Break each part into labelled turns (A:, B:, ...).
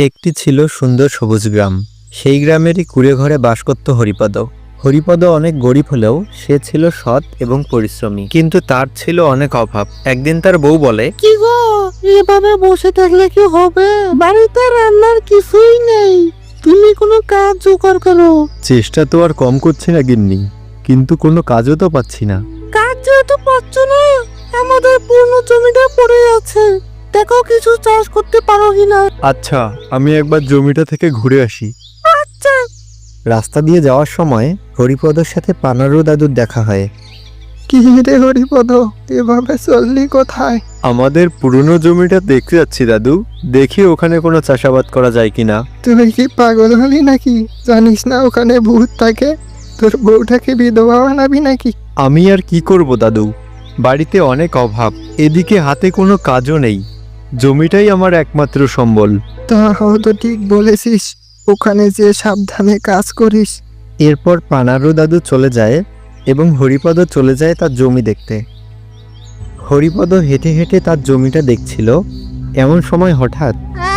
A: একটি ছিল সুন্দর সবুজ গ্রাম। সেই গ্রামেরই কুঁড়ে ঘরে বাস করত হরিপদ। হরিপদ অনেক গরিব হলেও সে ছিল সৎ এবং পরিশ্রমী, কিন্তু তার ছিল অনেক অভাব। একদিন তার বউ বলে,
B: কি গো, এভাবে বসে থাকলে কি হবে? বাড়িতে রান্নার কিছুই নেই, তুমি কোনো কাজ জোগাড় করো।
A: চেষ্টা তো আর কম করছি না গিন্নি, কিন্তু কোনো কাজও তো পাচ্ছি না।
B: কাজ যেহেতু পাচ্ছ না, আমাদের পুরনো জমিটা পড়ে আছে, দেখো কিছু চাষ করতে পারো কিনা।
A: আচ্ছা, আমি একবার জমিটা থেকে ঘুরে আসি।
B: আচ্ছা।
A: রাস্তা দিয়ে যাওয়ার সময় হরিপদর সাথে পানারু দাদুর দেখা হয়।
B: কি রে হরিপদ, এভাবে চললি কোথায়?
A: আমাদের পুরনো জমিটা দেখতে যাচ্ছি দাদু, দেখি ওখানে কোনো চাষাবাদ করা যায় কিনা।
B: তুই কি পাগল হলি নাকি? জানিস না ওখানে ভূত থাকে? তোর বউটাকে বিধবা বানাবি নাকি?
A: আমি আর কি করব দাদু, বাড়িতে অনেক অভাব, এদিকে হাতে কোনো কাজও নেই, জমিটাই আমার একমাত্র সম্বল।
B: তাও তো ঠিক বলেছিস, ওখানে যে সাবধানে কাজ করিস।
A: এরপর পানারু দাদু চলে যায় এবং হরিপদ চলে যায় তার জমি দেখতে। হরিপদ হেঁটে হেঁটে তার জমিটা দেখছিল। এমন সময় হঠাৎ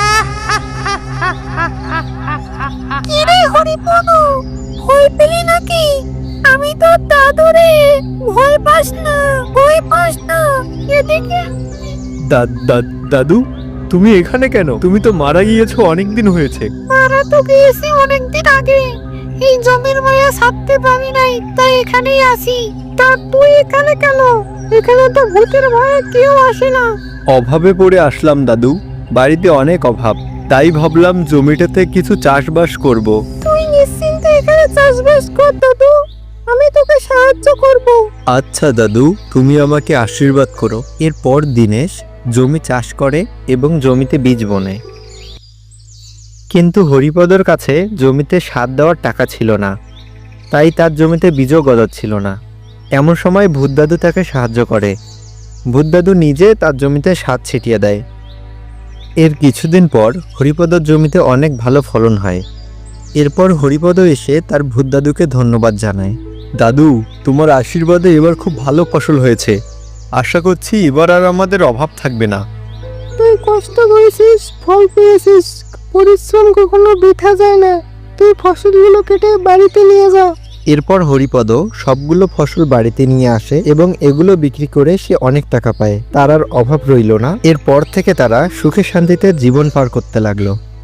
B: কিরে হরিপদ, ভয় পেলি নাকি? আমি তো দাদু রে, ভয় পাস না, ভয় পাস না, এদিকে।
A: দাদু, তুমি এখানে কেন? তুমি তো মারা গিয়েছো, অনেক দিন হয়েছে।
B: মারা তো গিয়েছি অনেকদিন আগে, এই জমির মায়া ছাড়তে পারি নাই, তাই এখানেই আসি। তা তুই এখানে কেন? এখানে তো ভূতের ভয়ে কেউ আসে না।
A: অভাবে পড়ে আসলাম দাদু, বাড়িতে অনেক অভাব, তাই ভাবলাম জমিটাতে কিছু চাষবাস করব।
B: তুই নিশ্চিন্তে এখানে চাষবাস কর দাদু, আমি তোকে সাহায্য করব।
A: আচ্ছা দাদু, তুমি আমাকে আশীর্বাদ করো। এরপর দিনেশ জমি চাষ করে এবং জমিতে বীজ বোনে। কিন্তু হরিপদর কাছে জমিতে সার দেওয়ার টাকা ছিল না, তাই তার জমিতে বীজও গজাচ্ছিল না। এমন সময় ভূতদাদু তাকে সাহায্য করে। ভূতদাদু নিজে তার জমিতে সার ছিটিয়ে দেয়। এর কিছুদিন পর হরিপদর জমিতে অনেক ভালো ফলন হয়। এরপর হরিপদ এসে তার ভূতদাদুকে ধন্যবাদ জানায়। দাদু, তোমার আশীর্বাদে এবার খুব ভালো ফসল হয়েছে, আশা করছি এবার আর আমাদের অভাব থাকবে না।
B: তুই কষ্ট করেছিস, ফল পেয়েছিস, পরিশ্রম কখনো বৃথা যায় না। তুই ফসলগুলো কেটে বাড়িতে নিয়ে যা।
A: এরপর হরিপদ সবগুলো ফসল বাড়িতে নিয়ে আসে এবং এগুলো বিক্রি করে সে অনেক টাকা পায়। তার আর অভাব রইল না। এরপর থেকে তারা সুখে শান্তিতে জীবন পার করতে লাগলো।